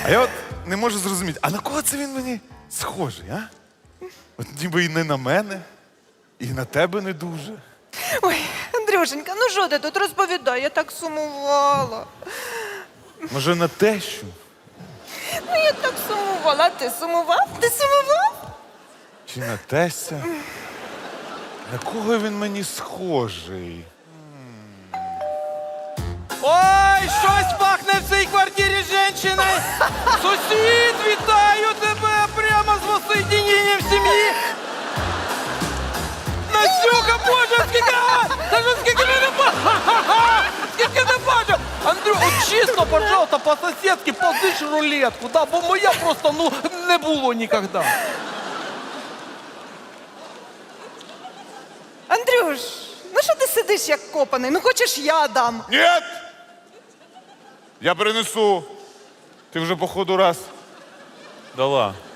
А я от не можу зрозуміти, а на кого це він мені схожий, а? От ніби і не на мене, і на тебе не дуже. Ой, Андрюшенька, ну що ти тут розповідай, я так сумувала. Може, на тещу? Ну я так сумувала, а ти сумував? Ти сумував? Чи на тестя? На кого він мені схожий? Ой, щось пахне в цій квартирі жінчиною. Сусід, вітаю тебе прямо з воссоединенням сім'ї. Настюха, боже, скільки, даже скільки не бачу. Скільки не бачу. Андрю, от чисто, пожалуйста, по-сусідськи позич рулетку, да, бо моя просто, ну, не було ніколи. Андрюш, ну що ти сидиш як копаний? Ну хочеш я дам? Ні! Я принесу. Ти вже, походу, раз дала.